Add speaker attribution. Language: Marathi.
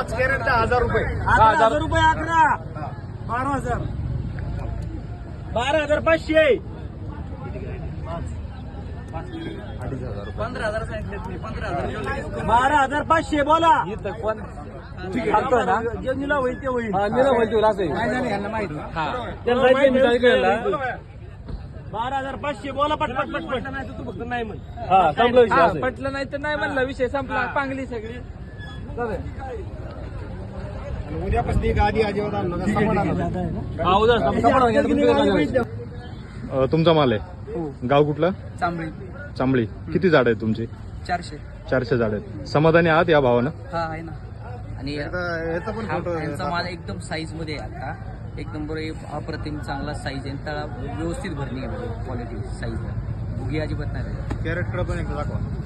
Speaker 1: 5 कॅरेट 10,000 रुपये.
Speaker 2: 11,000 रुपये. 11 12,000 12,500
Speaker 3: 15,000 सांगितले तुम्ही. 15,000
Speaker 2: 12,500 बोला.
Speaker 4: घालतोय ना
Speaker 2: जे निला होईल ते होईल.
Speaker 4: निला बोलतो असं
Speaker 3: काय झालं यांना माहिती.
Speaker 4: हा त्यांना माहिती मी काय केलं
Speaker 2: 12,500 बोला पटपट पटपट.
Speaker 3: नाही तू फक्त नाही म्हण.
Speaker 4: हा संपला विषय
Speaker 5: हा,
Speaker 4: असं आहे.
Speaker 5: पटलं नाही तर नाही म्हणलं विषय संपला. चांगली सगळी
Speaker 1: आणि उद्यापासून एक आधी अजिबात आणू नका. समाधान.
Speaker 4: हा उद्या संपला घ्या, तुम्ही काय करायचं?
Speaker 6: तुमचा माल आहे गाव कुठलं?
Speaker 3: चांबळी
Speaker 6: चांबळी. किती झाड आहेत तुमची?
Speaker 3: 400.
Speaker 6: 400 झाड आहेत. समाधानी आहात या भावानं?
Speaker 3: हा आहे ना. आणि
Speaker 1: याचा पण फोटो
Speaker 3: यांचा माल एकदम साईज मध्ये आहे आता. एक नंबर अप्रतिम चांगला साईज आहे. तळा व्यवस्थित भरणी आहे क्वालिटी साईज. भुगी अजिबात नाही.
Speaker 1: कॅरेट पण एकदा दाखवा.